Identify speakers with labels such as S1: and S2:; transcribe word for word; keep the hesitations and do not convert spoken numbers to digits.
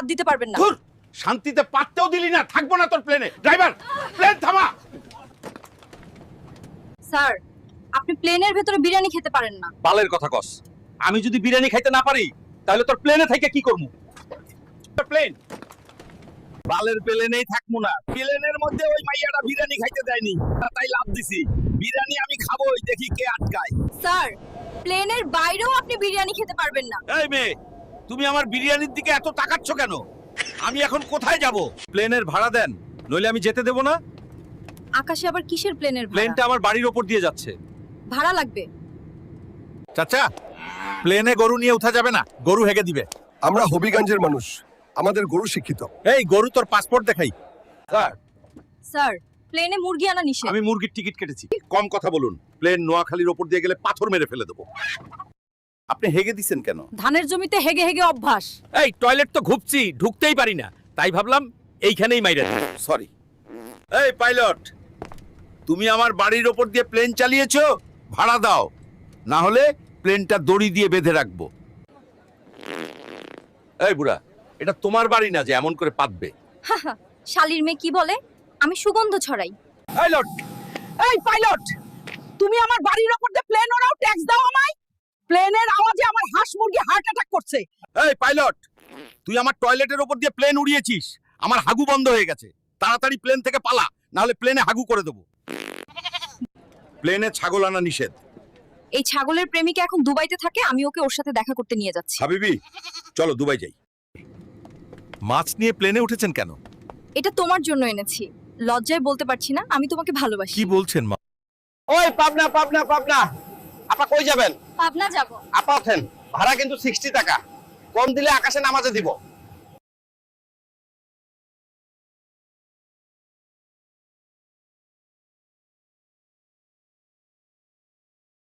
S1: হাত দিতে পারবেন না।
S2: ধুর, শান্তিতে পাততেও দিলি না, থাকবো না তোর প্লেনে। ড্রাইভার, প্লেন থামা।
S1: স্যার, আপনি প্লেনের ভেতরে বিরিয়ানি খেতে পারেন না।
S2: বালের কথা কস। আমি যদি বিরিয়ানি খাইতে না পারি তাহলে তোর প্লেনে থেকে কি করবো? প্লেন বালের প্লেনেই থাকবো না। প্লেনের মধ্যে ওই মাইয়াটা বিরিয়ানি খাইতে দেয়নি, তাই লাভ দিছি। বিরিয়ানি আমি খাবোই, দেখি কে আটকায়।
S1: স্যার, প্লেনের বাইরেও আপনি বিরিয়ানি খেতে পারবেন না।
S2: এই মেয়ে, তুমি আমার বিরিয়ানির দিকে এত তাকাচ্ছ কেন? আমি এখন কোথায় যাব? প্লেনের ভাড়া দেন, নইলে আমি যেতে দেব না।
S1: আকাশে আবার কিসের প্লেনের ভাড়া?
S2: প্লেনটা আমার বাড়ির ওপর দিয়ে যাচ্ছে।
S1: ভাড়া লাগবে।
S2: চাচা, প্লেনে গরু নিয়ে উঠা যাবে না, গরু হেগে দিবে।
S3: আমরা হবিগঞ্জের মানুষ, আমাদের গরু শিক্ষিত।
S2: এই গরু, তোর পাসপোর্ট দেখাই। স্যার,
S1: স্যার, প্লেনে মুরগি আনা নিষেধ।
S2: আমি মুরগির টিকিট কেটেছি। কম কথা বলুন, প্লেন নোয়াখালীর ওপর দিয়ে গেলে পাথর মেরে ফেলে দেবো। আপনি হেগে দিছেন কেন?
S1: ধানের জমিতে হেগে হেগে অভ্যাস।
S2: এই টয়লেট তো ঘুপছি, ঢুকতেই পারি না, তাই ভাবলাম এইখানেই মাইরা দিই। সরি। এই পাইলট, তুমি আমার বাড়ির ওপর দিয়ে প্লেন চালিয়েছো, ভাড়া দাও, না হলে প্লেনটা দড়ি দিয়ে বেঁধে রাখবো। এই বুড়া, এটা তোমার বাড়ি না যে এমন করে পাতবে।
S1: হাহা, শালির মেয়ে কি বলে? আমি সুগন্ধ ছড়াই।
S2: পাইলট,
S4: এই পাইলট, তুমি আমার বাড়ির ওপর দিয়ে প্লেন ওরাও ট্যাক্স দাও আমায়। প্লেনের আওয়াজে আমার হাঁস মুরগি হার্ট অ্যাটাক করছে।
S2: এই পাইলট, তুই আমার টয়লেটের ওপর দিয়ে প্লেন উড়িয়েছিস, আমার হাগু বন্ধ হয়ে গেছে। তাড়াতাড়ি প্লেন থেকে পালা, না হলে প্লেনে হাগু করে দেবো। প্লেনে ছাগল আনা নিষেধ।
S1: এই ছাগলের প্রেমিকা এখন দুবাইতে থাকে, আমি ওকে ওর সাথে দেখা করতে নিয়ে যাচ্ছি।
S2: হাবিবি, চলো দুবাই যাই। মাছ নিয়ে প্লেনে উঠেছেন কেন?
S1: এটা তোমার জন্য এনেছি। লজ্জায় বলতে পারছি না, আমি তোমাকে ভালোবাসি।
S2: কি বলছেন মা?
S5: ওই পাবনা পাবনা পাবনা, আপা কই যাবেন?
S1: পাবনা যাব।
S5: আপা ওঠেন, ভাড়া কিন্তু সিক্সটি টাকা, কম দিলে আকাশে নামাজে দিব।